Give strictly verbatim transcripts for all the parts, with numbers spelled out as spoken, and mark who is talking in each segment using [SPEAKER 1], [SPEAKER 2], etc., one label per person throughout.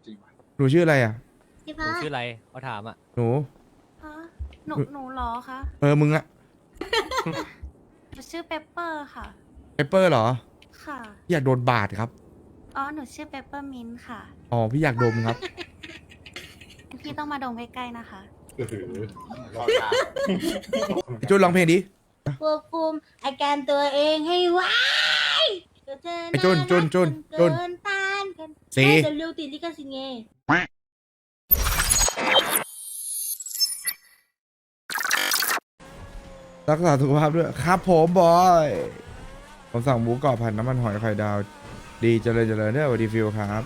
[SPEAKER 1] จริงว่ะ
[SPEAKER 2] หนูชื่ออะไรอ่ะ
[SPEAKER 3] พี่
[SPEAKER 4] หนู
[SPEAKER 3] พะ
[SPEAKER 4] ชื่ออะไรเขาถามอ่ะ
[SPEAKER 2] หนู
[SPEAKER 5] ฮะหนูหนูเหรอคะ
[SPEAKER 2] เออมึงอะ
[SPEAKER 5] หนูชื่อเปปเปอร์ค่ะ
[SPEAKER 2] เปเปอร์เหรอ
[SPEAKER 5] ค่ะ
[SPEAKER 2] พี่อยากโดนบาดครับ
[SPEAKER 5] อ๋อ หนูชื่อเปปเปอร์มินค่ะ
[SPEAKER 2] อ๋อพี่อยากดมครับ
[SPEAKER 5] พี่ต้องมาดมใกล้ๆนะคะ
[SPEAKER 1] เออรอดา
[SPEAKER 2] ไอจุนร้องเพลงดิ
[SPEAKER 3] ควบคุมอาการตัวเองให้ไว้ตัวเธอ
[SPEAKER 2] ไอ้จุนจุนจุนจุ
[SPEAKER 3] จุ
[SPEAKER 2] น
[SPEAKER 3] นต้านกัน
[SPEAKER 2] สี
[SPEAKER 3] ไม่จะลูกติดลิขสิทธิ์ไง
[SPEAKER 2] รักษาสุขภาพด้วยครับผมบอยผมสั่งหมูกรอบผัดน้ำมันหอยไข่ดาว ดีเจริญเจริญเด้อสวัสดีฟิวครับ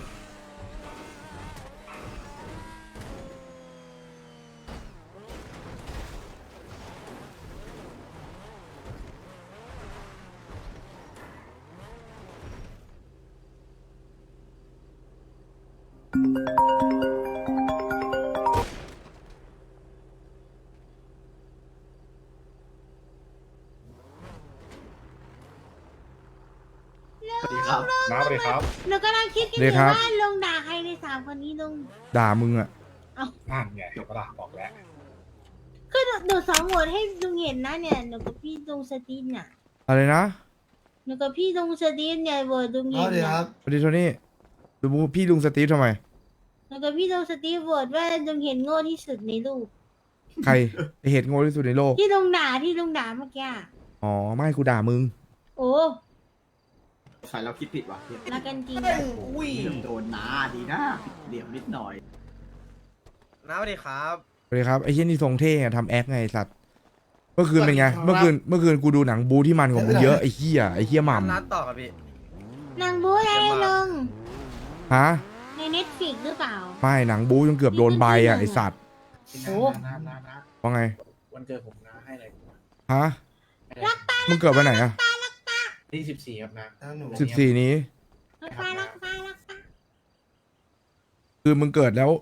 [SPEAKER 6] สวัสดีครับ
[SPEAKER 1] น้าสวัสดีครับ
[SPEAKER 3] หนูกำลังคิดกันอ
[SPEAKER 2] ดี
[SPEAKER 3] ยู่
[SPEAKER 2] ครับ
[SPEAKER 3] ว่าลงด่าใครในสามคนนี้ลง
[SPEAKER 2] ด่ามึงอะ
[SPEAKER 1] นั่นไงเดี๋ยวก็ล่ะบอกแล้ว
[SPEAKER 3] คือหนูหนูสองโหวตให้ลุงเห็นนะเนี่ยหนูกับพี่ลุงสตีนน่ะ
[SPEAKER 2] อะไรนะ
[SPEAKER 3] หนูกับพี่ลุงสตีนเนี่ยโหวตลุง
[SPEAKER 6] อ๋อ
[SPEAKER 3] เห็น
[SPEAKER 6] เดี๋ยว
[SPEAKER 3] น่ะ
[SPEAKER 6] ครับ
[SPEAKER 2] สวัสดีโทนี่ดูพี่ลุงสตีฟทำไม
[SPEAKER 3] หนูกับพี่ลุงสตีนโหวตว่าลุงเห็นโง่ที่สุดในรูป
[SPEAKER 2] ใครไอเหตุโง่ที่สุดในโลก
[SPEAKER 3] ที่ลุงด่าที่ลุงด่าเมื่อกี้อะ
[SPEAKER 2] อ๋อไม่กูด่ามึง
[SPEAKER 3] โอ้
[SPEAKER 6] ฝ่ายเราคิดผิดว่ะเฮีย
[SPEAKER 3] รักกันจริง
[SPEAKER 6] อุ้ยโดนน้าดีนะเหลี่ยมนิดหน่อย
[SPEAKER 7] น้าสวัสดีครับ
[SPEAKER 2] สวัสดีครับไอ้เช่นนี่ทรงเท่อะทำแอคไงไอ้สัตว์ เมื่อคืนเป็นไง
[SPEAKER 6] สวัสดีครับ
[SPEAKER 2] เมื่อคืนเมื่อคืนกูดูหนังบูที่มันของมึงเยอะไอ้เหี้ยไอ้เหี้ยหม่
[SPEAKER 7] นัดต่อครับพี่
[SPEAKER 3] นางบู๊อะไรลุง
[SPEAKER 2] ำฮะ
[SPEAKER 3] ในเน็ตฟิกหรือเปล่า
[SPEAKER 2] ไม่หนังบูจนเกือบโดนใบอ่ะไอ้สัตว์
[SPEAKER 3] โอ้
[SPEAKER 1] น้าน้าน้า
[SPEAKER 2] ว่าไง
[SPEAKER 1] วันเกิดผมน้าให้อะไร
[SPEAKER 2] ฮะมึงเกิดวันไหนอ่ะ
[SPEAKER 1] ที่สิบสี่ครับนะ
[SPEAKER 6] น้าหนู
[SPEAKER 2] สิบสี่นี้
[SPEAKER 3] รักป้ารักป้ารักป้า
[SPEAKER 2] คือมึงเกิดแล้ว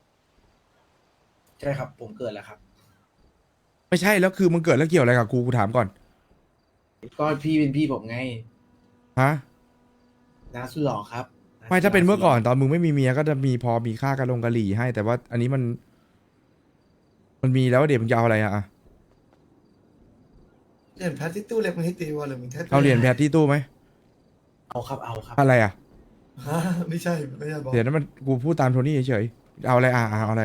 [SPEAKER 1] ใช่ครับผมเกิดแล้วครับ
[SPEAKER 2] ไม่ใช่แล้วคือมึงเกิดแล้วเกี่ยวอะไรกับกูกูถามก่อน
[SPEAKER 1] ก็พี่เป็นพี่ผมไง
[SPEAKER 2] ฮะ
[SPEAKER 1] น้าสุดหล่อครับ
[SPEAKER 2] ไม่ถ้าเป็นเมื่อก่อนตอนมึงไม่มีเมียก็จะมีพอมีค่ากระลงกะหรี่ให้ แต่ว่าอันนี้มัน มันมีแล้วเดี๋ยวมึงจะเอาอะไรอะอะ
[SPEAKER 6] เหรียญแพทที่ตู้เล็กมันให้ตีวอลหรือมันแค่
[SPEAKER 2] เอาเหรียญแพทที่ตู้ไหม
[SPEAKER 1] เอาครับเอาครับ
[SPEAKER 2] อะไรอะ
[SPEAKER 6] ฮะไม่ใช่ไม่ใช่บอก
[SPEAKER 2] เดี๋ยวนั้นมันกูพูดตามโทนี่เฉยๆเอาอะไรอ่ะอ่ะเอาอะไร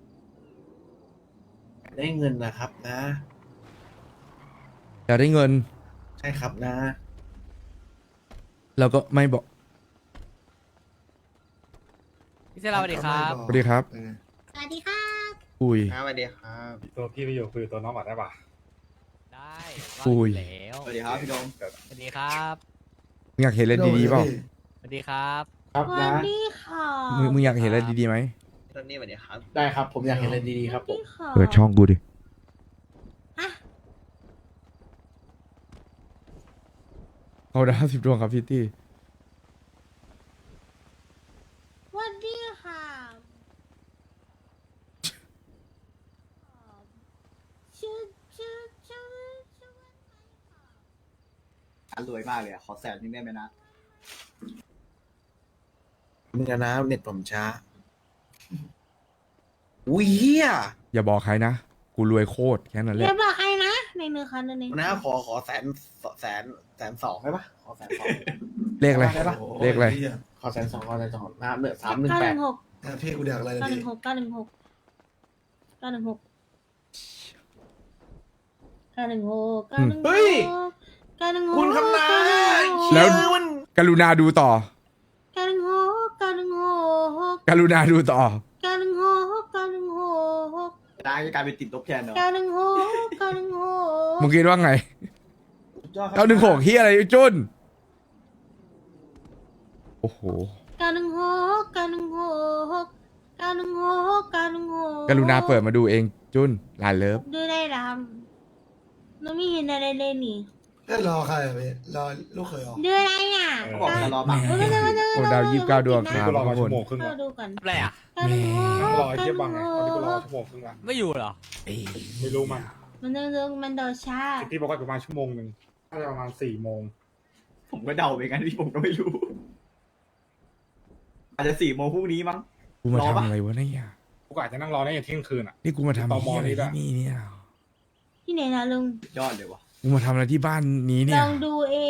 [SPEAKER 1] ได้เงินนะครับนะ
[SPEAKER 2] อยากได้เงิน
[SPEAKER 1] ใช่ครับนะ
[SPEAKER 2] เราก็ไม่บอก
[SPEAKER 4] พี่เซราสวัสดีครับ
[SPEAKER 2] สวัสดีครับ
[SPEAKER 6] เออ
[SPEAKER 3] สวัสดีครับ
[SPEAKER 2] อุ้ย
[SPEAKER 7] น้าสวัสดีครับ
[SPEAKER 1] ตัวพี่ไปอยู่คุยกับตัวน้องก่อนได้ปะ
[SPEAKER 4] ได้
[SPEAKER 2] อุ้ย
[SPEAKER 4] ว่าแล้ว
[SPEAKER 6] สวัสดีครับพี่โดม
[SPEAKER 4] สวัสดีครับ
[SPEAKER 2] มึงอยากเห็นอะไรดีๆเปล่า
[SPEAKER 4] สวัสดีครับ
[SPEAKER 1] ครับ
[SPEAKER 3] สวั
[SPEAKER 1] นะ
[SPEAKER 3] สดีค่ะ
[SPEAKER 2] มึงมึงอยากเห็นอะไรดีๆไหม
[SPEAKER 6] ตอนนี้สวัสดีครับ
[SPEAKER 1] ได้ครับผมอยากเห็นอะไรดีๆครับผม
[SPEAKER 3] สวัสดีค่ะ
[SPEAKER 2] เปิดช่องกูดิ
[SPEAKER 3] ฮะ
[SPEAKER 2] เอาดาวสิบดวงครับพี่ตี้
[SPEAKER 3] สวัสดีค่ะชื่อชื่อชื่อชื่อว่าไงค่ะ
[SPEAKER 6] อันรวยมากเลยอะขอแสนนึงได้ไหมนะ
[SPEAKER 7] มึงอะนะเน็ตผมช้า อุ้ยเฮีย
[SPEAKER 2] อย่าบอกใครนะ กูรวยโคตรแค่นั้นแห
[SPEAKER 3] เรี
[SPEAKER 2] ละ
[SPEAKER 3] ยบบอกใครนะในมือคันนึง
[SPEAKER 7] นะขอขอแสนแสนแสนสองได้ปะขอแสนสอง
[SPEAKER 2] เลขอะไร
[SPEAKER 7] ได้ปะ
[SPEAKER 2] เลขอะไร
[SPEAKER 6] โย
[SPEAKER 7] ขอแสนสองขอแสนสองน้าเหลือสามหนึ่ง
[SPEAKER 3] เก้า
[SPEAKER 7] แป
[SPEAKER 3] ห
[SPEAKER 7] ด
[SPEAKER 3] นึ่งหก
[SPEAKER 6] อ่ะพี่กูเดือกอะไร
[SPEAKER 3] เก้าห
[SPEAKER 6] ดี
[SPEAKER 3] นึ่งหกเก้าหนึ่งหกเก้าหนึ่งหกเก้าหนึ่งหกเก้าหนึ่งหก
[SPEAKER 7] เฮ้ย
[SPEAKER 3] เก้าหนึ่งหก
[SPEAKER 7] คุณคำนาย
[SPEAKER 2] แล้ว
[SPEAKER 7] ชื่อมัน
[SPEAKER 2] กรุณาดูต่อ
[SPEAKER 3] เก้าหนึ่งหกเก้าหนึ่งหก
[SPEAKER 2] กรุณาดูต่อ
[SPEAKER 3] เก้าหนึ่งหกเก้าหนึ่งหก
[SPEAKER 6] น้าจะกลายเป็นติดลบแทนเนาะ
[SPEAKER 3] เก้าหนึ่งหกเก้าหนึ่งหก
[SPEAKER 2] มึงคิดว่าไง
[SPEAKER 7] สุดยอดครับ
[SPEAKER 2] เก้าหนึ่งหกเฮียอะไรจุนโอ้โห
[SPEAKER 3] เก้าหนึ่งหกเก้าหนึ่งหกเก้าหนึ่งหกเก้าหนึ่งหก
[SPEAKER 2] กรุณาเปิดมาดูเองจุนลานเลิฟ
[SPEAKER 3] ดูได้รำเราไม่เห็นอะไรเลยนี่
[SPEAKER 6] เอ้ยรอใครอะพี่รอลูกเขยเหรอ
[SPEAKER 3] ดูอะไรอ่ะ
[SPEAKER 6] เขาบอกจะรอบัง
[SPEAKER 3] ดูดูดูดู
[SPEAKER 2] โอ้ดาวยี่สิบเก้าดวงค
[SPEAKER 1] นี่
[SPEAKER 2] รับ
[SPEAKER 1] กูรอ
[SPEAKER 2] ทุ
[SPEAKER 1] มาก
[SPEAKER 2] ค
[SPEAKER 1] ชั่
[SPEAKER 2] น
[SPEAKER 1] วโมงครึ่ง
[SPEAKER 3] เรา
[SPEAKER 1] แล้ว
[SPEAKER 3] ดูก่อน
[SPEAKER 4] อะไรอ่ะ
[SPEAKER 3] เก้าหนึ่งหก
[SPEAKER 1] นั่งรอไอ้
[SPEAKER 3] เก้า
[SPEAKER 1] เทียบ
[SPEAKER 3] ห
[SPEAKER 1] บั
[SPEAKER 3] นึ่
[SPEAKER 1] ง
[SPEAKER 3] ง
[SPEAKER 1] ไง
[SPEAKER 3] ห
[SPEAKER 1] ตอนนี้กูรอก ชั่วโมงครึ่งแล้ว
[SPEAKER 4] ไม่อยู่เหรอ
[SPEAKER 1] ไม่รู้มัน
[SPEAKER 3] มันเดินมันโดดช้า
[SPEAKER 1] ที่บอกว่าประมาณชั่วโมงหนึ่งน่าจะประมาณสี่โมง
[SPEAKER 6] ผมก็เดาไปงั้นพี่ผมก็ไม่รู้ อาจจะสี่โมงพรุ่งนี้มั้ง
[SPEAKER 2] กูมาร
[SPEAKER 7] อ
[SPEAKER 2] ทำ
[SPEAKER 7] ปะ
[SPEAKER 2] อะไรวะเนี่ย
[SPEAKER 1] กูก็อาจจะนั่งรอได้ยันเที่ยงคืนอ่ะ
[SPEAKER 2] นี่กูมาทำ
[SPEAKER 1] ตม
[SPEAKER 2] เหี้ยอะไร
[SPEAKER 1] นี่ด้วย
[SPEAKER 2] ที่นี่เนี่ย
[SPEAKER 3] ที่ไหนนะลุง
[SPEAKER 6] ยอดเลยวะ
[SPEAKER 2] กูมาทำอะไรที่บ้านนี้
[SPEAKER 3] ล
[SPEAKER 2] เนี่ย
[SPEAKER 3] องดูเอง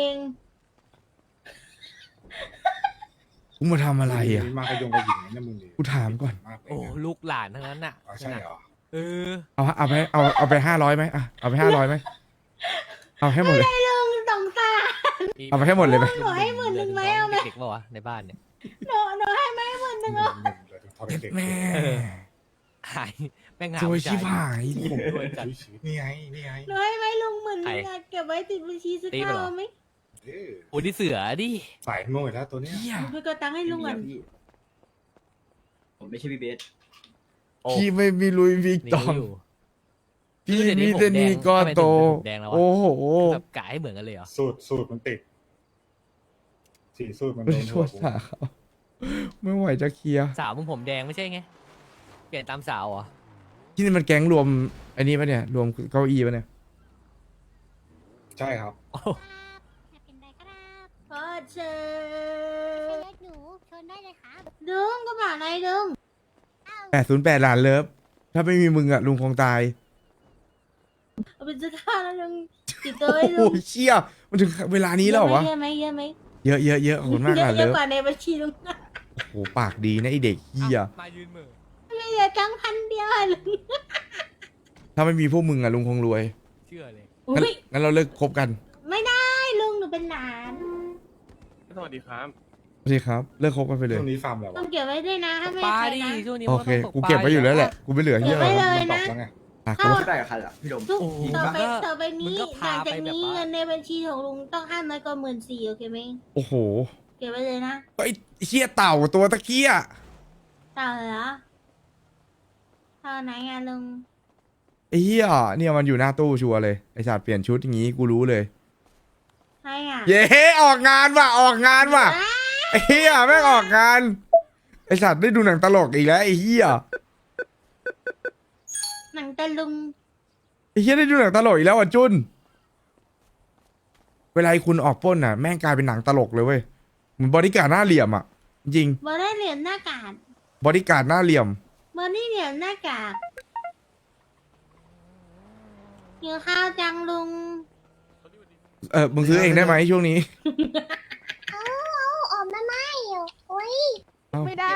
[SPEAKER 2] กูมาทำอะไรอ่ะ
[SPEAKER 1] มากระยงกระหญิงเนี่ยมึงดิ
[SPEAKER 2] กูถามก่อน
[SPEAKER 1] มากเลย
[SPEAKER 4] โอ้
[SPEAKER 1] นะ
[SPEAKER 4] ลูกหลานทั้งนั้นน่ะ
[SPEAKER 1] อ๋อใช่เหรอ
[SPEAKER 4] เออ
[SPEAKER 2] เอาเอาไปเอาเอาไปห้าร้อยไหมอ่ะเอาไปห้าร้อยไหมเอาให้หมดเลย
[SPEAKER 3] ลุงสงสาร
[SPEAKER 2] เอาไปให้หมดเลยไหม
[SPEAKER 3] หนูให้หมื่นหนึ่งไหมเอาไหม
[SPEAKER 4] เด็กๆป่าวะในบ้านเนี่ย
[SPEAKER 3] หนูหนูให้ไหมหมื่นหนึ่ง
[SPEAKER 1] หนึ่
[SPEAKER 3] อ่ะ
[SPEAKER 1] งหนึ่งเลยถึงทอดเด็กๆ
[SPEAKER 2] แม่
[SPEAKER 4] หายแม่งหา
[SPEAKER 2] สวย
[SPEAKER 4] ผู้
[SPEAKER 2] ชิบ
[SPEAKER 4] ชาย
[SPEAKER 2] หาย
[SPEAKER 1] ผม
[SPEAKER 4] รวยจัด
[SPEAKER 1] นี่ไงนี่ไง
[SPEAKER 3] หนูให้ไหมลุงหมื่นหนึ่งอ่ะเก็บไว้ติดบัญชีซื้อ
[SPEAKER 4] ตีไป
[SPEAKER 3] ข้า
[SPEAKER 4] เหรอ
[SPEAKER 3] วไหม
[SPEAKER 1] เออ
[SPEAKER 4] โอ้นี่เสือดิ
[SPEAKER 1] สายโง่อีกแล้วตัวเนี้ย
[SPEAKER 2] เหี้ย
[SPEAKER 3] หนูไปกดตังค์ให้ลุงก่อน
[SPEAKER 6] พี่ผมไม่ใช่พี่เบส
[SPEAKER 4] โอ้
[SPEAKER 2] พี่ไม่มีลุยวิก
[SPEAKER 4] นี่
[SPEAKER 2] ตอง
[SPEAKER 4] อยู่
[SPEAKER 2] พี่
[SPEAKER 4] คือเดี๋ยวนี้
[SPEAKER 2] มีแต่
[SPEAKER 4] ผมแดง
[SPEAKER 2] นี่ก็
[SPEAKER 4] ทำไมถึง
[SPEAKER 2] โต
[SPEAKER 4] ผมแดงแล้ววะ
[SPEAKER 2] โอ้โห
[SPEAKER 4] แบบกะให้เหมือนกันเลยเหรอ
[SPEAKER 1] สูตรสูตรมันติดสีสูตรมัน
[SPEAKER 2] ไม่
[SPEAKER 1] โด
[SPEAKER 2] ได้
[SPEAKER 1] น
[SPEAKER 2] โท
[SPEAKER 1] หัว
[SPEAKER 2] ษ
[SPEAKER 1] กู
[SPEAKER 2] สาเขาไม่ไหวจะเคลียร์
[SPEAKER 4] สาวมึงผมแดงไม่ใช่ไง เปลี่ยนตามสาวเหรอ
[SPEAKER 2] ที่นี่มันแก๊งรวมอันนี้ปะเนี่ย รวมเก้าอี้ปะเนี่ย
[SPEAKER 1] ใช่ครับ
[SPEAKER 4] โอ้
[SPEAKER 5] อยากกินอะไรก็ได้
[SPEAKER 3] พอเชิ
[SPEAKER 5] เรียกหนูเชิญได้เลยครับ
[SPEAKER 3] ลุงก็บอกอะไรลุง
[SPEAKER 2] แปดศูนย์แปดหลานเลิฟ ถ้าไม่มีมึงอะลุงคงตาย
[SPEAKER 3] เอาไปซื้อข้าวแล้วลุงติดตัว
[SPEAKER 2] โอ้
[SPEAKER 3] ไว้
[SPEAKER 2] โห
[SPEAKER 3] ลุง
[SPEAKER 2] เชี่ยมันถึงเวลานี้แล้วเหรอวะ
[SPEAKER 3] เยอะไหมเยอะไหม
[SPEAKER 2] เยอะเยอะเยอะขอบคุณมาก
[SPEAKER 3] เย
[SPEAKER 2] ห
[SPEAKER 3] อะ
[SPEAKER 2] ลาน
[SPEAKER 3] เยอะ
[SPEAKER 2] เลิฟ
[SPEAKER 3] กว่าในบัญชีลุง
[SPEAKER 2] โอ้โหปากดีนะไอเด็กเฮีย
[SPEAKER 4] มายืนเหมือ
[SPEAKER 3] ไม่เหลือตังค์พันเดียวอะลุง
[SPEAKER 2] ถ้าไม่มีพวกมึงอะลุงคงรวย
[SPEAKER 4] เชื่อเลย
[SPEAKER 2] งั้น
[SPEAKER 3] อุ้ย
[SPEAKER 2] งั้นเราเลิกคบกัน
[SPEAKER 3] ไม่ได้ลุงหนูเป็นหลาน
[SPEAKER 8] สวัสดีครับ
[SPEAKER 2] โอเคครับ เลิกคบกันไปเลย
[SPEAKER 1] ช่วงนี้ฟาร์มแล้ว
[SPEAKER 3] ต้องเก็บไว้ด้วยนะถ้าไม่
[SPEAKER 4] ปลา
[SPEAKER 3] ใคร
[SPEAKER 4] ดิ
[SPEAKER 3] นะ
[SPEAKER 4] ช่วงนี้
[SPEAKER 2] โอ
[SPEAKER 4] มัน
[SPEAKER 2] เค
[SPEAKER 4] ต้องต
[SPEAKER 2] กูเก็บไว้อยู่แล้วแหละ กูไม่เหลือเฮีย
[SPEAKER 3] เก็บไว้
[SPEAKER 2] อะไร
[SPEAKER 3] เลย
[SPEAKER 1] มันตอบแล้วไง
[SPEAKER 2] อ่ะ
[SPEAKER 3] เข้า
[SPEAKER 2] กู
[SPEAKER 6] ไม่ได้กับใครอ่ะพี่ดม
[SPEAKER 3] ทุก
[SPEAKER 4] โอ้โห
[SPEAKER 3] ต่อไป
[SPEAKER 4] มึงก็
[SPEAKER 3] ต่อไปนี้
[SPEAKER 4] มึงก็
[SPEAKER 3] ห
[SPEAKER 4] พา
[SPEAKER 3] ลัง
[SPEAKER 4] ไป
[SPEAKER 3] จาก
[SPEAKER 4] แบบ
[SPEAKER 3] นี้
[SPEAKER 4] ว่า
[SPEAKER 3] เงินในบัญชีของลุงต้องห้ามน้อยกว่าหมื่นสี่โอเคไหม
[SPEAKER 2] โอ้โห
[SPEAKER 3] เก็บไว้เลยนะ
[SPEAKER 2] ไอ้เฮียเต่าตัวตะเกีย
[SPEAKER 3] ต่อเหรอต่อไหนอะลุง
[SPEAKER 2] ไอ้เฮียเนี่ยมันอยู่หน้าตู้ชัวร์เลย ไอ้สัตว์เปลี่ยนชุดอย่างงี้กูรู้เลย
[SPEAKER 3] ใช่อะ
[SPEAKER 2] เย้ออกงานว่ะออกงานว่ะไอ้เฮียแม่งออกงาน ไอ้สัตว์ได้ดูหนังตลกอีกแล้วไอ้เฮีย
[SPEAKER 3] หนังตะลุง
[SPEAKER 2] ไอ้เฮียได้ดูหนังตลกอีกแล้วอ่ะจุน เวลาไอ้คุณออกปล้นอ่ะแม่งกลายเป็นหนังตลกเลยเว้ยเหมือนบริการดหน้าเหลี่ยมอ่ะ จริง
[SPEAKER 3] บอได้เหรียญหน้ากาก
[SPEAKER 2] บริการดหน้าเหลี่ยม
[SPEAKER 3] บอได้เหรียญหน้ากากกินข้าวจังลุง
[SPEAKER 2] เออมึงซื้อเองได้ไหมช่วงนี้
[SPEAKER 5] เอาออกมาไม่โอ้ย
[SPEAKER 2] เอ้า
[SPEAKER 9] ไม่ได้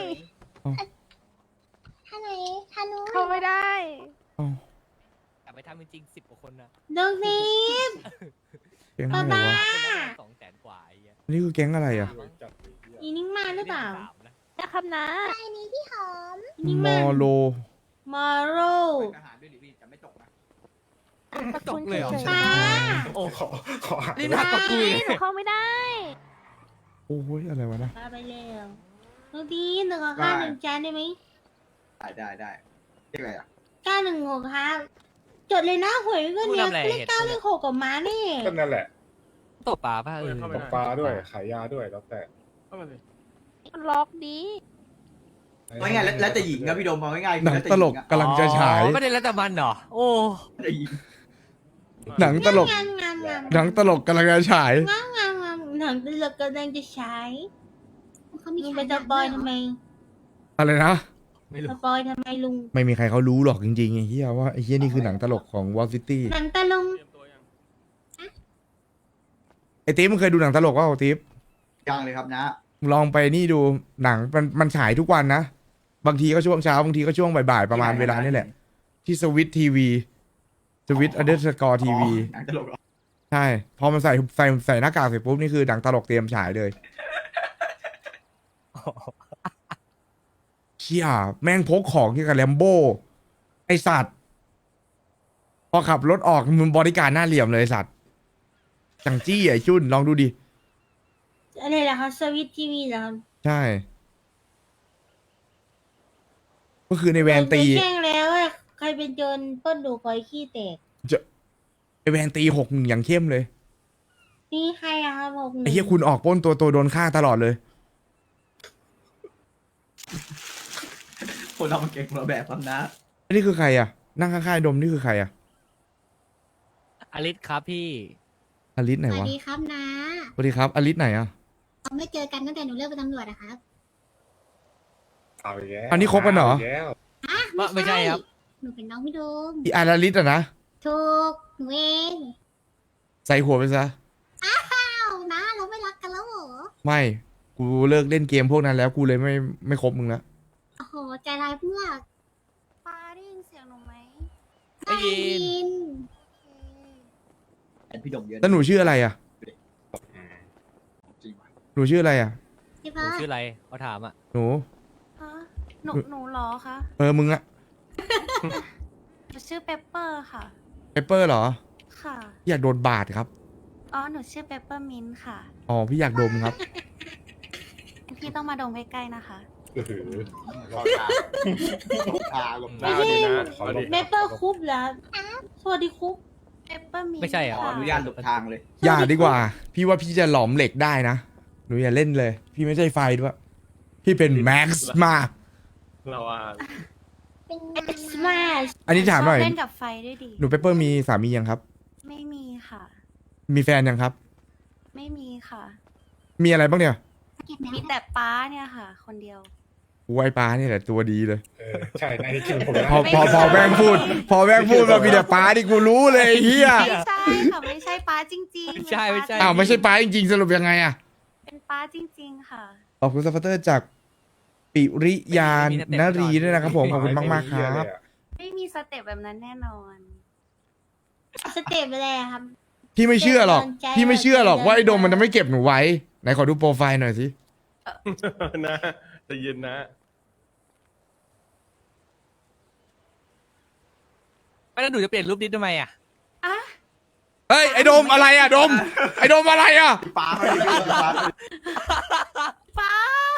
[SPEAKER 5] ท่าไหนท่านู้น
[SPEAKER 9] เข้าไม่ได้
[SPEAKER 2] เอ้าก
[SPEAKER 4] ลับไปทำจริงสิบกว่าคนนะ
[SPEAKER 3] ลุงนิม
[SPEAKER 2] แก๊งอะไร
[SPEAKER 3] บ๊ายบา
[SPEAKER 2] วะ
[SPEAKER 3] ย
[SPEAKER 4] คนละสองแสนกว่าไอ้เหี้ย
[SPEAKER 2] นี่คือแก๊งอะไรอ่ะ
[SPEAKER 1] จัดเลยเหี้ย
[SPEAKER 3] อีนิ่งมาหรือเปล่า
[SPEAKER 4] สามนะ
[SPEAKER 9] นะครับนะ
[SPEAKER 5] ไอ้นี้พี่หอม
[SPEAKER 3] อีนิ่ง
[SPEAKER 2] ม
[SPEAKER 3] มา
[SPEAKER 2] อโล
[SPEAKER 3] มอโร
[SPEAKER 6] ทหารด้วยดิพี่จะไม่ตกนะ
[SPEAKER 9] ประคุณเฉย
[SPEAKER 3] ป้า
[SPEAKER 1] โอ้ขอขออ่าน
[SPEAKER 4] นี่หนักกว่ากูอีก
[SPEAKER 9] ๆหนูเข้าไม่ได้
[SPEAKER 2] โอ้ยอะไรวะนะ
[SPEAKER 3] ป้าไปเร็วลุงดีหนึ่งกับข้าวหนึ่งจานได้ไหม
[SPEAKER 6] ได้ได้ได้เรียกอะไรอ่ะ
[SPEAKER 3] เก้าหนึ่งหกครับจดเลยนะหวยเงินเนี่ยเลขเก้าเลขหกกับม้านี่
[SPEAKER 1] ก็นั่นแหละ
[SPEAKER 4] ตกปลาป่ะเออ
[SPEAKER 8] เข้า
[SPEAKER 1] ต
[SPEAKER 8] ไม่
[SPEAKER 1] ก
[SPEAKER 8] ได้
[SPEAKER 1] ปลาด้วยขายยาด้วยแล้วแต่
[SPEAKER 8] เข้ามาเลย
[SPEAKER 9] มันล็อกดี
[SPEAKER 6] ว่าไงแล้วแล้วแต่หญิงนะพี่ดมเอาง่ายๆ
[SPEAKER 2] หนังตลกกำลังจะฉาย
[SPEAKER 4] อ๋อไม่ได้แล้วแต่มันเหรอ โอ้
[SPEAKER 6] แต่หญิง
[SPEAKER 2] หนังตลก
[SPEAKER 3] งามงามงาม
[SPEAKER 2] หนังตลกกำลังจะฉาย
[SPEAKER 3] งามงามงามหนังตลกกำลังจะใช้
[SPEAKER 5] เขามี
[SPEAKER 3] ลุง
[SPEAKER 5] ขา
[SPEAKER 3] ไป
[SPEAKER 5] ย
[SPEAKER 3] สปอยทำไม
[SPEAKER 2] อะไรนะ
[SPEAKER 4] ไม่
[SPEAKER 3] ส
[SPEAKER 4] รู้
[SPEAKER 3] ปอยทำไมลุง
[SPEAKER 2] ไม่มีใครเขารู้หรอกจริงๆไอ้เฮียว่าไอ้เฮียนี่คือหนังตลกของวอลซิตี้
[SPEAKER 3] หนังตะลุง
[SPEAKER 8] เตรียมตัวยัง
[SPEAKER 2] ไอ้ติ๊บมึงเคยดูหนังตลกว่าติ๊บ
[SPEAKER 6] ยังเลยครับนะ
[SPEAKER 2] ลองไปนี่ดูหนังมันมันฉายทุกวันนะ บางทีก็ช่วงเช้า บางทีก็ช่วงบ่ายๆประมาณเวลานี่แหละ ที่สวิตทีวีสวิตอันเดอร์สกอร์ทีวี
[SPEAKER 6] หนังตลกเหรอ
[SPEAKER 2] ใช่ พอมันใส่ใส่ใส่หน้ากากเสร็จปุ๊บ นี่คือหนังตลกเตรียมฉายเลยเชี่ยแม่งพกของที่กับแลมโบ้ไอสัตว์ พอขับรถออกมึงบริการหน้าเหลี่ยมเลยไอ้สัตว์ จังจี้ไอ้จุนลองดูดิ
[SPEAKER 3] อะไรล่ะครับสวิตทีวีเหรอครับ
[SPEAKER 2] ใช่ ก็คือในแวนตี
[SPEAKER 3] โดไปแช่งแล้วอะใครเป็นโจรปล้นดูกอยขี้แตก
[SPEAKER 2] ไอแวนตีหกหนึ่งอย่างเข้มเลย
[SPEAKER 3] นี่ใครอะครับผม
[SPEAKER 2] ไอเฮียคุณออกปล้นตัวตัวโดนฆ่าตลอดเลย
[SPEAKER 6] คนเรามันเก่งคนละแบบครับนะ
[SPEAKER 2] อันนี้คือใครอ่ะ นั่งข้างๆดมนี่คือใครอ่ะ
[SPEAKER 4] อลิสครับพี่
[SPEAKER 2] อลิสไหน
[SPEAKER 5] สวั
[SPEAKER 2] วะ
[SPEAKER 5] สดีครับนะ
[SPEAKER 2] สวัสดีครับ อลิสไหนอ่ะ
[SPEAKER 5] เราไม่เจอกันตั้งแต่หนูเลิกเป็นตำรวจอะครับ
[SPEAKER 1] เอาอีกแล้ว
[SPEAKER 2] อันนี้คบกันเหรอ
[SPEAKER 1] าอีกแล้ว
[SPEAKER 4] ว่าไม่ใช่ครับ
[SPEAKER 3] หนูเป็นน้องพี่โดม
[SPEAKER 2] อีอาราลิสอะนะ
[SPEAKER 3] ถูกหนูเอง
[SPEAKER 2] ใส่หัวไปซะ
[SPEAKER 3] อ้าวนะเราไม่รักกันแล้วเหรอ
[SPEAKER 2] ไม่ กูเลิกเล่นเกมพวกนั้นแล้วกูเลยไม่ไม่คบมึงแล้ว
[SPEAKER 3] โอ้โหใจร้ายเพื่อก
[SPEAKER 5] ป้าได้ยินเสียงหนูไหม
[SPEAKER 4] ได้ยิน
[SPEAKER 3] ยิน
[SPEAKER 6] แอนพี่ดมเยอะ
[SPEAKER 2] แล้วหนูชื่ออะไรอ่ะ
[SPEAKER 6] จริงว่ะ
[SPEAKER 2] หนูชื่ออะไรอ่ะ
[SPEAKER 3] ใช่
[SPEAKER 4] หนู
[SPEAKER 3] ปะ
[SPEAKER 4] ชื่ออะไรเขาถามอ่ะ
[SPEAKER 2] หนู
[SPEAKER 5] ฮะ หนู หนูเหรอคะ
[SPEAKER 2] เออ มึงอะ
[SPEAKER 5] หนูชื่อเปปเปอร์ค่ะ
[SPEAKER 2] เปเปอร์เหรอ
[SPEAKER 5] ค่ะ
[SPEAKER 2] อยากโดนบาดครับ
[SPEAKER 5] อ๋อ หนูชื่อเปปเปอร์มินค่ะ
[SPEAKER 2] อ๋อ พี่อยากดมครับ
[SPEAKER 5] พี่ต้องมาดมใกล้ๆนะคะ
[SPEAKER 1] อื้อหือ
[SPEAKER 6] หลบทางหลบทางหลบ
[SPEAKER 8] ไม่
[SPEAKER 6] ทาง
[SPEAKER 8] ใช่ นะ
[SPEAKER 1] ขอ
[SPEAKER 8] เอา
[SPEAKER 1] ล
[SPEAKER 8] ดิ
[SPEAKER 1] บ
[SPEAKER 3] เมเปอร์คุปเหรอสวัสดีคุป
[SPEAKER 5] เปปเปอร์มิน
[SPEAKER 4] ไม่ใช่เหรอ
[SPEAKER 6] ขออนุญาตหลบทางเลย
[SPEAKER 2] อย่าดีกว่า พี่ว่าพี่จะหลอมเหล็กได้นะ หนูอย่าเล่นเลย พี่ไม่ใช่ไฟด้วย พี่เป็นแม็กซ์มาก
[SPEAKER 8] เราอ่ะ
[SPEAKER 3] เป็นสมาช
[SPEAKER 2] อันนี้ถามหน่อย
[SPEAKER 5] ชบเล่นกับไฟด้วยดิ
[SPEAKER 2] หนูเปเปอร์มีสามียังครับ
[SPEAKER 5] ไม่มีค่ะ
[SPEAKER 2] มีแฟนยังครับ
[SPEAKER 5] ไม่มีค่ะ
[SPEAKER 2] มีอะไรบ้างเนี่ย
[SPEAKER 5] มีแต่ป้าเนี่ยค่ะ คนเดียว
[SPEAKER 2] กูไอ้ปลาเนี่ยแหละตัวดีเลย
[SPEAKER 1] เออใช่ในที่คือผม
[SPEAKER 2] พอพอพอแม่งพูด พอแม่งพูดมามีแต่ปลาที่กูรู้เลยไอ้เฮีย
[SPEAKER 5] ไม่ใช่ค่ะ ไม่ใช่ป้าจริงๆ
[SPEAKER 4] ไม่ใช่ไม่ใช่
[SPEAKER 2] อ้าวไม่ใช่ปลาจริงๆ สรุปยังไงอะ
[SPEAKER 5] เป็นป้าจริง ๆ ค่ะ
[SPEAKER 2] ขอบคุณซัพพอร์เตอร์จากปิริยานนรีด้วยนะครับผม ขอบคุณมากมากๆครับ
[SPEAKER 5] ไม่มีสเต็ปแบบนั้นแน่นอน
[SPEAKER 3] สเต็ปอะไรอะครับ
[SPEAKER 2] พี่ไม่เชื่อหรอก
[SPEAKER 3] เดินใจ
[SPEAKER 2] พี่ไม่เชื่อหรอก
[SPEAKER 3] เดิน
[SPEAKER 2] ว่าไอ้โดม
[SPEAKER 3] ใจ
[SPEAKER 2] มันจะไม่เก็บหนูไว้ ไหนขอดูโปรไฟล์หน่อยสิ
[SPEAKER 8] นะใจะเย็นนะ
[SPEAKER 4] ไม่แล้วหนูจะเปลี่ยนรูปนี้ทำไมอ่ะ
[SPEAKER 5] อ่ะ
[SPEAKER 2] เฮ้ยไอ้โดมอะไรอะโดม ไอ้โดมอะไรอะ
[SPEAKER 6] ปลาไม่ได้ปลา
[SPEAKER 5] ป้า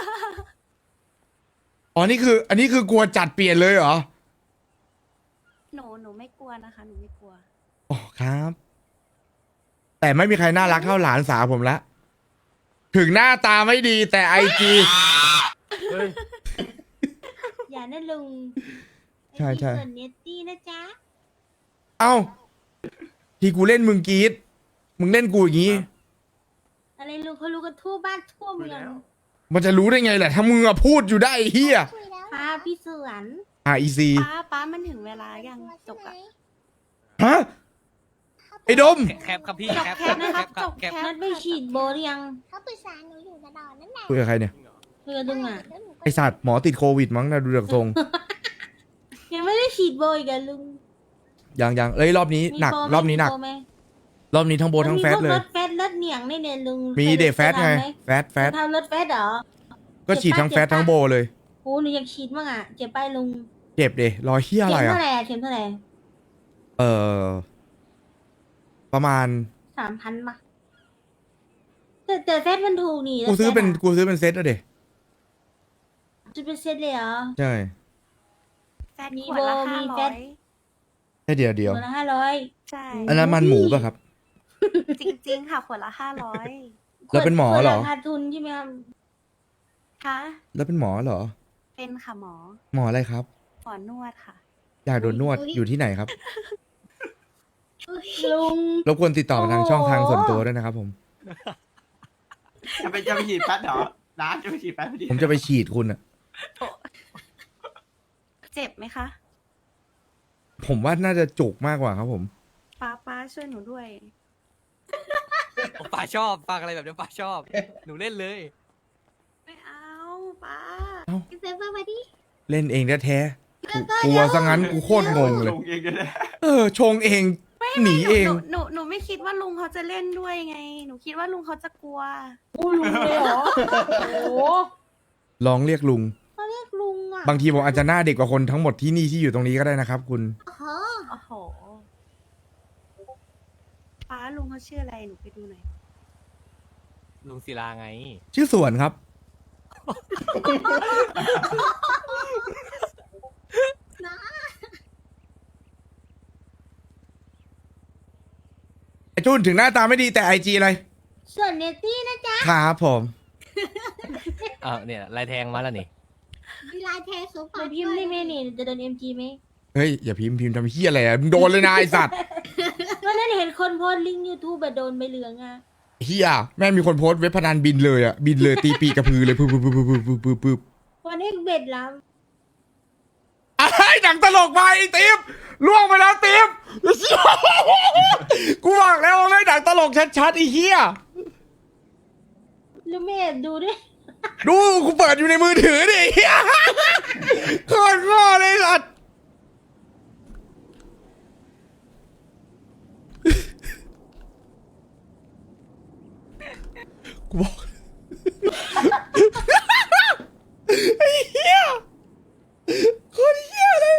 [SPEAKER 2] อ๋อนี่คือ อันนี้คือกลัวจัดเปลี่ยนเลยเหรอ
[SPEAKER 5] หนู หนูไม่กลัวนะคะ หนูไม่กลัว
[SPEAKER 2] อ๋อครับ แต่ไม่มีใครน่ารักเท่าหลานสาวผมละ ถึงหน้าตาไม่ดีแต่ไอจี
[SPEAKER 8] เฮ้ย
[SPEAKER 3] อย่านะลุง
[SPEAKER 2] ใช่ใช่
[SPEAKER 3] ส่วนเนตตี้นะจ๊ะ
[SPEAKER 2] เอ้า ที่กูเล่นมึงกรีดมึงเล่นกูอย่างงี้
[SPEAKER 3] อะไรลุงเขารู้กันทั่วบ้านทั่วเมือง
[SPEAKER 2] มันจะรู้ได้ไงแหละถ้ามึงอะพูดอยู่ได้ไอ้เฮีย
[SPEAKER 3] พาพี่สวน
[SPEAKER 2] อ่ะอีซี
[SPEAKER 5] ป้า ป้ามันถึงเวลายังจบอะ
[SPEAKER 2] ฮะ ไอ้โดม
[SPEAKER 4] แคปครับพี่
[SPEAKER 5] จบ
[SPEAKER 4] แคป
[SPEAKER 5] แคปนะครับ
[SPEAKER 4] แค
[SPEAKER 5] จ
[SPEAKER 4] ป
[SPEAKER 5] บ
[SPEAKER 4] แค
[SPEAKER 5] แค
[SPEAKER 4] ป
[SPEAKER 5] ป
[SPEAKER 3] นัดไปฉีดโบหรือยัง
[SPEAKER 10] เขาปรึกษาหนูอยู่ตลอดนั่นแหละ
[SPEAKER 2] คุยกับใครเนี่ย
[SPEAKER 3] เพื่อลุงอ่ะ
[SPEAKER 10] แล้วหนูก็
[SPEAKER 2] ไอสัตว์หมอติดโควิดมั้งนะดูจากทรง
[SPEAKER 3] ยังไม่ได้ฉีดโบอีกอะลุง
[SPEAKER 2] ยังยังเอ้ยรอบนี้หนัก
[SPEAKER 3] มีโ
[SPEAKER 2] รอบนี้หนัก
[SPEAKER 3] มีโไหม
[SPEAKER 2] รอบนี้ทั้งโบททั้งแฟตเล
[SPEAKER 3] มีพวกร
[SPEAKER 2] ย
[SPEAKER 3] ถแฟตรถเหนียงนี่เนี่ยลุง
[SPEAKER 2] มี
[SPEAKER 3] คย
[SPEAKER 2] เดทแฟตไง
[SPEAKER 3] ทำหม
[SPEAKER 2] แฟตแฟต
[SPEAKER 3] ทำรถแฟตเหรอ
[SPEAKER 2] ก็ฉีดทั้งแฟตทั้งโบเลย
[SPEAKER 3] โอ้หนูอยากฉีดมั่งอ่ะเจ็บไปลุง
[SPEAKER 2] เจ็บเดรอยเฮีย
[SPEAKER 3] เข็
[SPEAKER 2] อะไร
[SPEAKER 3] ม
[SPEAKER 2] อ่ะ
[SPEAKER 3] เท่าไหร่อะเข็มเท่าไหร่
[SPEAKER 2] เออประมาณ
[SPEAKER 3] สามพันปะแต่แต่แฟตมันถูกนี่
[SPEAKER 2] กูซื้อเป็น
[SPEAKER 3] แล้วแฟตะ
[SPEAKER 2] กูซื้อเป็นเซตอะเด
[SPEAKER 3] จะเป็นเซตเลยเหรอ
[SPEAKER 2] ใช่
[SPEAKER 5] แฟน
[SPEAKER 3] มี
[SPEAKER 5] ขวดละ
[SPEAKER 3] โบมี
[SPEAKER 5] ห้า
[SPEAKER 3] แฟ
[SPEAKER 5] ร้อ
[SPEAKER 3] ต
[SPEAKER 5] ย
[SPEAKER 2] แค่เดียวเดียว
[SPEAKER 3] ตัวละห้าร้อย
[SPEAKER 5] ใช่
[SPEAKER 2] อันนั้นมันหมูป่ะครับ
[SPEAKER 5] จริง ๆ ค่ะขวดละห้าร้อย
[SPEAKER 2] แล้วเป็นหมอเหรอ
[SPEAKER 3] ขาดทุนใช่ไหมครับ
[SPEAKER 5] คะ
[SPEAKER 2] แล้วเป็นหมอเหรอ
[SPEAKER 5] เป็นค่ะหมอ
[SPEAKER 2] หมออะไรครับ
[SPEAKER 5] หมอนวดค่ะ
[SPEAKER 2] อยากโดนนวดอยู่ที่ไหนครับ
[SPEAKER 3] ลุง
[SPEAKER 2] รบกวนติดต่อมาทางช่องทางส่วนตัวด้วยนะครับผม
[SPEAKER 6] จะไปจะไปฉีดแฟตเหรอน้าจะไปฉีดแฟตพอดี
[SPEAKER 2] ผมจะไปฉีดคุณอะ
[SPEAKER 5] เจ็บไหมคะ
[SPEAKER 2] ผมว่าน่าจะจุกมากกว่าครับผม
[SPEAKER 5] ป้าป้าช่วยหนูด้วย
[SPEAKER 4] ป้าชอบฟังอะไรแบบนี้ป้าชอบ หนูเล่นเลย
[SPEAKER 5] ไม่เอาป้า
[SPEAKER 3] พี่เซฟเฟอร์มาดิ
[SPEAKER 2] เล่นเองแท้ๆกูกลัวซะงั้นกูโคตรงงเลย
[SPEAKER 6] ลงเองด้วยนะ
[SPEAKER 2] เออ ชงเอง หนีเอง
[SPEAKER 5] หนูหนูหนูไม่คิดว่าลุงเขาจะเล่นด้วยไง หนูคิดว่าลุงเขาจะกลัว
[SPEAKER 3] อู้ลุงเลยเหรอ โอ้โห
[SPEAKER 2] ลองเรียกลุง
[SPEAKER 3] เขาเรียกลุงอ่ะ
[SPEAKER 2] บางทีผมอาจจะหน้าเด็กกว่าคนทั้งหมดที่นี่ที่อยู่ตรงนี้ก็ได้นะครับคุณ
[SPEAKER 3] โอ้โห
[SPEAKER 5] โอ้โห ป้าลุงเขาชื่ออะไร หนูไปดูหน่อย
[SPEAKER 4] ลุงศิลาไง
[SPEAKER 2] ชื่อสวนครับ ไอจุนถึงหน้าตาไม่ดีแต่ไอจีอะไร
[SPEAKER 3] ส่วนเนตตี้นะจ๊ะ
[SPEAKER 2] ครับผม
[SPEAKER 4] อ้าวเนี่ยลายแทงมาแล้วนี่
[SPEAKER 3] มีลายแทงสูงกว่าพิมพ์ได้ไหมนี่จะโดนเอ็มจีไหม
[SPEAKER 2] เฮ้ย อย่าพิมพ์พิมพ์ทำเฮี้ยอะไรอ่ะมึงโดนเลยนะไอสัตว์
[SPEAKER 3] วันนั้นเห็นคนโพสต์ลิงก์ยูทูบแบบโดนใบเหลืองอ่ะ
[SPEAKER 2] เฮี้ยแม่งมีคนโพสต์เว็บพนันบินเลยอ่ะ บินเลยตีปีกกระพือเลยปึ๊บปึ๊บปึ๊บปึ๊บปึ๊บปึ๊บ
[SPEAKER 3] วันอนเอ็กเบ็ดแล้ว
[SPEAKER 2] ไอ้หนังตลกมาไอ้ติ๊บล่วงไปแล้วติ๊บกูบอกแล้วว่าไม่หนังตลกชัดๆไอ้เหี้ย
[SPEAKER 3] ลูกไม่แอบดูด้วย
[SPEAKER 2] ดูกูเปิดอยู่ในมือถือดิไอ้เหี้ยโคตรง้อเลยสัตว์กูบอกไอ้เหี้ยโคตรเหี้ยเลย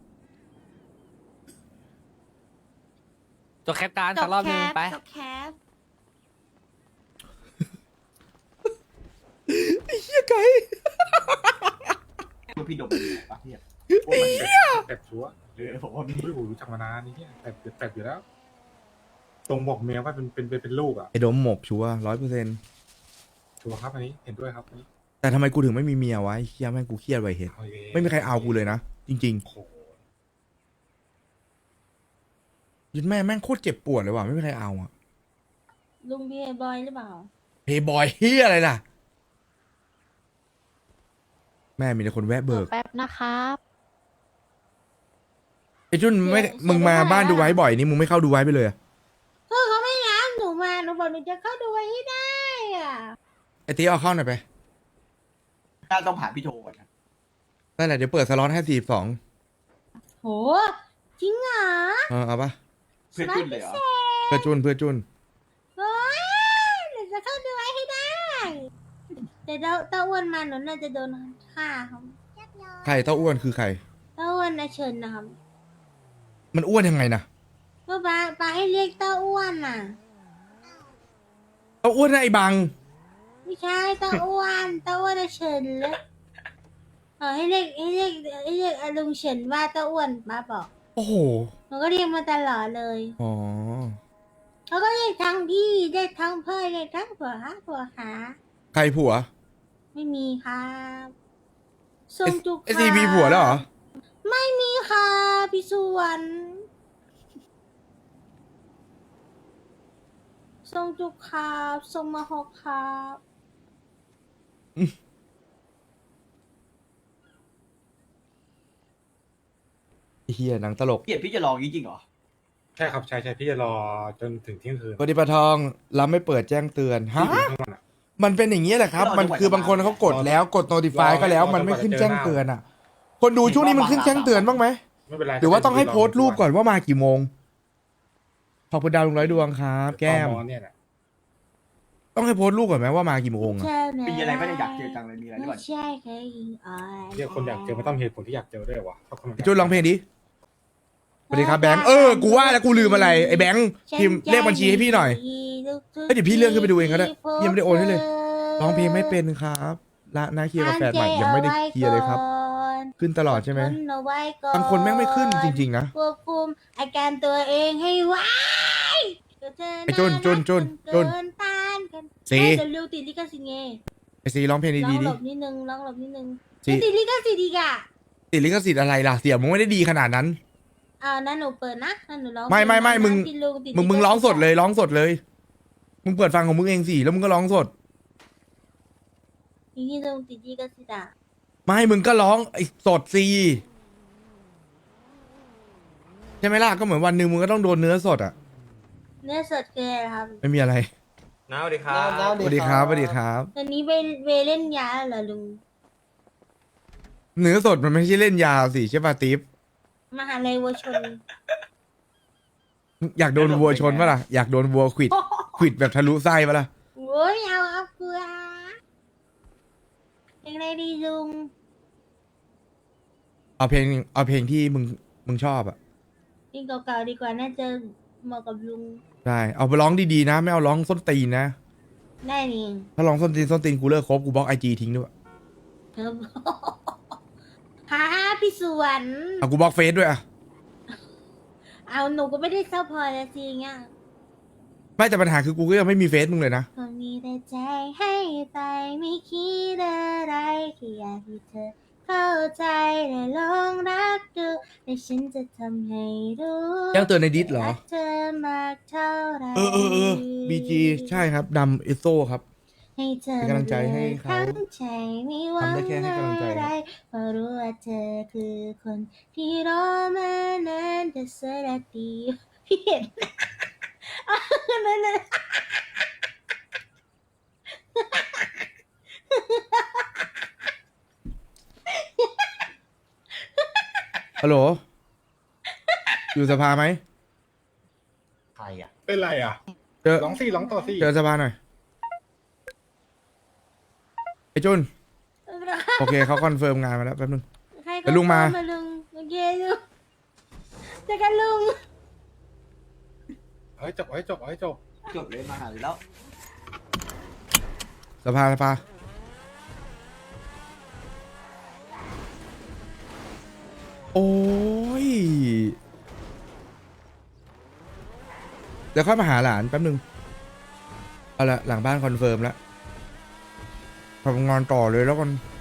[SPEAKER 4] จบแคปการ
[SPEAKER 5] จ
[SPEAKER 4] สั
[SPEAKER 5] บ
[SPEAKER 4] กรอบ
[SPEAKER 5] แค
[SPEAKER 4] นึง
[SPEAKER 5] ป
[SPEAKER 4] ไป
[SPEAKER 5] จบแคป
[SPEAKER 2] ไอ้เหี้ยไก่
[SPEAKER 6] คือพี่ดมเป็นไงปะเนี่ย
[SPEAKER 2] ไอ้เหี้ย
[SPEAKER 1] แปดชัวร์
[SPEAKER 6] เออผมว่ามี
[SPEAKER 1] ไม่รู้รู้จักมานานนี่เนี่ยแปดแปดอยู่แล้ว ตรงบอกเมียว่าเป็นเป็นเป็นเป็นลูกอ่ะ
[SPEAKER 2] ไอ้ดมหมกชัวร้อยเปอร์เซ็นต์
[SPEAKER 1] ชัวร์ครับอันนี้เห็นด้วยครับอันนี้
[SPEAKER 2] แต่ทำไมกูถึงไม่มีเมียวะไอ้เหี้ยแม่งกูเครียดไว้เห็น
[SPEAKER 1] เอาอีกแล้ว
[SPEAKER 2] ไม่มีใครเอากูเลยนะ จริง
[SPEAKER 1] โอ้โห
[SPEAKER 2] ๆยันแม่แม่งโคตรเจ็บปวดเลยว่ะไม่มีใครเอาอะ
[SPEAKER 3] ลุงพี่บอยหรือเปล่า
[SPEAKER 2] เพย์บอยเฮียอะไรล่ะ แม่มีแต่คนแวะเบิก
[SPEAKER 9] แป๊บนะครับ
[SPEAKER 2] ไอ้จุนไม่มึงมาบ้านดูไว้บ่อยนี่มึงไม่เข้าดูไว้ไปเลยอะ
[SPEAKER 3] ก็เขาไม่รับหนูมาหนูบอกหนูจะเข้าดูไว้ให้ได้อ่ะ
[SPEAKER 2] ไอ้ตีเอาเข้าหน่อยไป
[SPEAKER 6] น่าต้องผ่านพี่โทก่อนนะ
[SPEAKER 2] นั่นแหละเดี๋ยวเปิดสล็อตให้สี่สอง
[SPEAKER 3] โหจริงเหรอ
[SPEAKER 2] เออเอาปะ
[SPEAKER 6] เพื่อนจุนเลยเหรอ
[SPEAKER 2] เพื่อจุนเพื่อจุน
[SPEAKER 3] โอ้ยหนูจะเข้าดูไว้ให้ได้ แต่เต้าเต้าอ้วนมาหนูน่าจะโดนฆ่าครับ
[SPEAKER 2] ใครเต้าอ้วนคือใคร
[SPEAKER 3] เต้าอ้วนนะเชิญนะครับ
[SPEAKER 2] มันอ้วนยังไงนะ
[SPEAKER 3] ก็ปาปาให้เรียกเต้าอ้วนน่ะ
[SPEAKER 2] เต้าอ้วนนะไอ้บัง
[SPEAKER 3] ไม่ใช่เต้าอ้วนเต้าอ้วนนะเชิญแล้วเออให้เรียกให้เรียกให้เรียกอาลุงเฉินว่าเต้าอ้วนป้าบอก
[SPEAKER 2] โอ้โห
[SPEAKER 3] หนูก็เรียกมาตลอดเลย
[SPEAKER 2] อ๋อ
[SPEAKER 3] เขาก็เรียกทั้งพี่เรียกทั้งเพื่อนเรียกทั้งผัวหาผัวหา
[SPEAKER 2] ใครผัว
[SPEAKER 3] ไม่มีครับทร
[SPEAKER 2] ไอ้
[SPEAKER 3] งจุก
[SPEAKER 2] ไอซีมีผัวแล้วเหรอ
[SPEAKER 3] ไม่มีค่ะพี่สวนทรงจุกครับทรงมาหกครับ
[SPEAKER 2] ไอ้เฮียหนังตลก
[SPEAKER 6] เกลียดพี่จะลองจริงๆเหรอ
[SPEAKER 1] ใช่ครับใช่ใช่พี่จะรอจนถึงเที่ยงคืน
[SPEAKER 2] ปฏิปทองรับไม่เปิดแจ้งเตือนฮะ
[SPEAKER 1] ที่อยู่ข้างบนอะ
[SPEAKER 2] มันเป็นอย่างนี้แหละครับ มันคือบางคนเขากดแล้วกด notify ก็แล้ว มันไม่ขึ้นแจ้งเตือนอ่ะ คนดูช่วงนี้มันขึ้นแจ้งเตือนบ้างไหม
[SPEAKER 1] ไม่เป็นไร
[SPEAKER 2] หรือว่าต้องให้โพสต์รูปก่อนว่ามากี่โมง ขอบคุณดาวลุงร้อยดวงครับ แก้ม
[SPEAKER 1] ตมเนี่ยแหละ
[SPEAKER 2] ต้องให้โพสต์รูปก่อนไหมว่ามากี่โมงอะ
[SPEAKER 3] ใช่นะ
[SPEAKER 6] มีอะไรไม่ได้อยากเจอจังเลยมีอะไรหรือเป
[SPEAKER 3] ไม่
[SPEAKER 6] ล่า
[SPEAKER 3] ใช่เคยยิงอ่อน
[SPEAKER 1] เรียกคนอยากเจอไม่ต้องเหตุผลที่อยากเจอด้วยวะถ้าคนมันยาก
[SPEAKER 2] จุนร้องเพลงดิสวัสดีครับแบงค์เออกูว่าแล้วกูลืมอะไรไอ้แบงค์พิมพ์เลขบัญชีให้พี่หน่อย เอ้ยเดี๋ยวพี่เลื่อนขึ้นไปดูเองก็ได้พี่ยังไม่ได้โอนให้เลย ร้องเพลงไม่เป็นครับละหน้าเคลียร์กับแฟนใหม่ยังไม่ได้เคลียร์เลยครับ ขึ้นตลอดใช่ไหม บางคนแม่งไม่ขึ้นจริงๆนะ
[SPEAKER 3] ควบคุมอาการตัวเองให้ไว
[SPEAKER 2] ไอ้จุนจุนจุนจุน
[SPEAKER 3] เกินต้านกัน
[SPEAKER 2] สี
[SPEAKER 3] ให้แต่เร็วติดลิขสิทธิ์ไง
[SPEAKER 2] ไอซีร้องเพลง
[SPEAKER 3] ร้อ
[SPEAKER 2] ดี
[SPEAKER 3] ง
[SPEAKER 2] ๆ
[SPEAKER 3] ห
[SPEAKER 2] ดิ
[SPEAKER 3] ลบนิดนึงร้องหลบนิดนึง
[SPEAKER 2] สิ
[SPEAKER 3] ไม่ติดลิขสิทธิ์อีกอ่ะ
[SPEAKER 2] ติดลิขสิทธิ์อะไรล่ะเสียงมึงไม่ได้ดีขนาดนั้น
[SPEAKER 3] อ่านั่นหนูเปิดนะนั่นหนูร้อง
[SPEAKER 2] ไม่ไม่ไม่
[SPEAKER 3] เพล
[SPEAKER 2] มึง
[SPEAKER 3] นะที่ลุติ
[SPEAKER 2] มึงมึงร้องสดเลยร้องสดเลย มึงเปิดฟังของมึงเองสิแล้วมึงก็ร้องสด
[SPEAKER 3] อย่างนี่ลุงติดลิขสิทธิ์อ่ะ
[SPEAKER 2] ไม่มึงก็ร้องไอ้สดสิใช่ไหมล่ะก็เหมือนวันหนึ่งมึงก็ต้องโดนเนื้อสดอ่ะ
[SPEAKER 3] เนื้อสดเกินครับ
[SPEAKER 2] ไม่มีอะไร
[SPEAKER 8] น้าสวัสดีครับ
[SPEAKER 2] สวัสดีครับสวัสดีครับ
[SPEAKER 3] ตอนนี้ไปเวเล่นยาเหรอลุง
[SPEAKER 2] เนื้อสดมันไม่ใช่เล่นยาสิใช่ป่ะติ๊บ
[SPEAKER 3] มหาลัยวัวชน
[SPEAKER 2] อยากโดนวัวชนปะล่ะอยากโดนวัวขวิดขวิดแบบทะลุไส้ปะล่ะ
[SPEAKER 3] โอ้ยเอาครับเกลือเพลงอะไรดีลุง
[SPEAKER 2] เอาเพลงเอาเพลงที่มึงมึงชอบอ่ะ
[SPEAKER 3] เพลงเก่าๆดีกว่าน่าจะเหมาะกับลุง
[SPEAKER 2] ได้เอาไปร้องดีๆนะ ไม่เอาร้องส้นตีนนะ
[SPEAKER 3] ได้นี่
[SPEAKER 2] ถ้าร้องส้นตีนส้นตีนกูเลิกคบกูบล็อกไอจีทิ้งด้วย
[SPEAKER 3] ครับ ฮะพี่สวน
[SPEAKER 2] เอากูบล็อกเฟซด้วยอ่ะ
[SPEAKER 3] เอาหนูก็ไม่ได้เศร้าพอแล้วสิเงี้ย
[SPEAKER 2] ไม่แต่ปัญหาคือกูก็ยังไม่มีเฟซมึงเลยนะ
[SPEAKER 3] ก็มีแต่ใจให้ไปไม่คิดอะไรแค่อยากให้เธอเข้าใจและลองรักดูและฉันจะทำให้รู้
[SPEAKER 2] แจ้งเตือนในดิสเหรอ
[SPEAKER 3] รักเธอมากเท่าไหร
[SPEAKER 2] เออเออเออบีจีใช่ครับดำเอโซครับ
[SPEAKER 3] ให้เธอ
[SPEAKER 2] เป็นกำลังใจให้เขา
[SPEAKER 3] ทั้งใจไม่หวัง
[SPEAKER 2] ทำได้แค่ให้กำลังใจ
[SPEAKER 3] อะไรเพราะรู้ว่าเธอคือคนที่รอมานานแต่สระดีพี่เห็น อ่ะนั่นน่ะ
[SPEAKER 2] ฮัลโหล อยู่สภาไหม
[SPEAKER 7] ใครอ่ะ
[SPEAKER 1] เป็นไรอ่ะ
[SPEAKER 2] เจอ
[SPEAKER 1] ร้องสี่ร้องต่อสี่
[SPEAKER 2] เจอสภาหน่อย ไอ้จุน โอเคเขาคอนเฟิร์มงานมาแล้วแป๊บนึง
[SPEAKER 3] ใครก็
[SPEAKER 2] เดี๋ยวลุงมา
[SPEAKER 3] เข้ลุงโอเคลุงเจอกันลุง
[SPEAKER 1] เฮ้ยจบเฮ้ยจบเฮ้ยจบ
[SPEAKER 6] จบเลยมาหาแล้ว
[SPEAKER 2] สภาสภาโอ้ย เดี๋ยวค่อยมาหาหลานแป๊บนึง เอาละหลังบ้านคอนเฟิร์มแล้วทำงานต่อเลยแล้วกัน